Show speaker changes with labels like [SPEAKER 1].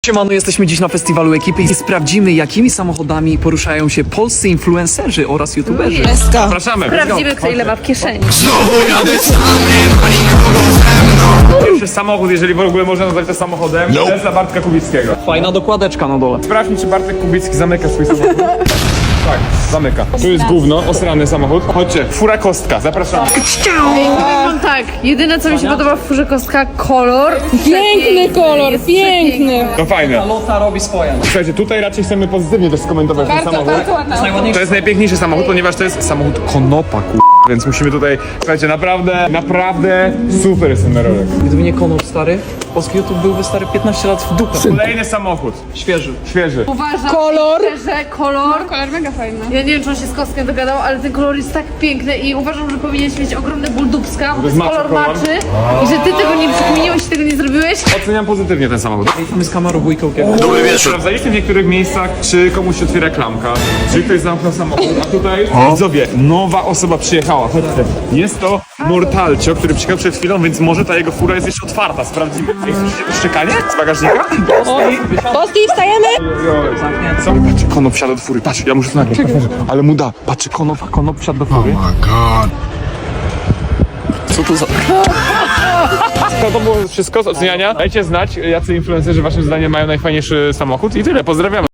[SPEAKER 1] Siemano, jesteśmy dziś na festiwalu ekipy i sprawdzimy, jakimi samochodami poruszają się polscy influencerzy oraz youtuberzy.
[SPEAKER 2] Zapraszamy.
[SPEAKER 3] Sprawdzimy, kto ile ma w kieszeni.
[SPEAKER 2] Pierwszy samochód, jeżeli w ogóle można nazwać to samochodem, to jest dla Bartka Kubickiego.
[SPEAKER 1] Fajna dokładeczka na dole.
[SPEAKER 2] Sprawdź mi, czy Bartek Kubicki zamyka swój samochód. Tak, zamyka. Tu jest gówno, osrany samochód. Chodźcie, fura kostka, zapraszamy.
[SPEAKER 3] Powiem tak, jedyne co mi się podoba w furze kostka, kolor.
[SPEAKER 4] Piękny kolor, piękny.
[SPEAKER 2] To fajne.
[SPEAKER 1] Lota robi swoje.
[SPEAKER 2] Słuchajcie, tutaj raczej chcemy pozytywnie też skomentować ten samochód.
[SPEAKER 4] ładna.
[SPEAKER 2] To jest najpiękniejszy samochód, ponieważ to jest samochód Konopa, więc musimy tutaj, słuchajcie, naprawdę super jest ten rower.
[SPEAKER 1] Gdyby nie Konop stary, polski YouTube byłby stary 15 lat w dupę.
[SPEAKER 2] Kolejny samochód,
[SPEAKER 1] Świeży.
[SPEAKER 2] świeży.
[SPEAKER 3] Uważam,
[SPEAKER 4] Kolor.
[SPEAKER 3] że kolor.
[SPEAKER 4] Kolor mega fajny.
[SPEAKER 3] Ja nie wiem, czy on się z kostkiem dogadał, ale ten kolor jest tak piękny i uważam, że powinieneś mieć ogromny ból dubska, bo to jest
[SPEAKER 2] jest
[SPEAKER 3] kolor
[SPEAKER 2] maczy kolor.
[SPEAKER 3] maczy i że ty tego nie przekminiłeś i tego nie zrobiłeś.
[SPEAKER 2] Oceniam pozytywnie ten samochód.
[SPEAKER 1] Mamy z kamerą wujką.
[SPEAKER 2] Sprawdzaliście w niektórych miejscach, czy komuś się otwiera klamka, czy ktoś zamknął samochód, a tutaj, widzowie, nowa osoba przyjechała, chodźcie. Jest to Mortalcio, który przyjechał przed chwilą, więc może ta jego fura jest jeszcze otwarta, sprawdzimy. Jest szczekanie z bagażnika?
[SPEAKER 4] Polski, wstajemy?
[SPEAKER 2] Co? Patrz, Konop wsiadł do fury, patrz, ja muszę to nagrać, ale mu da. Patrz, Konop wsiadł do fury.
[SPEAKER 1] Co to za...
[SPEAKER 2] To było wszystko z oceniania. Dajcie znać, jacy influencerzy waszym zdaniem mają najfajniejszy samochód i tyle, pozdrawiamy.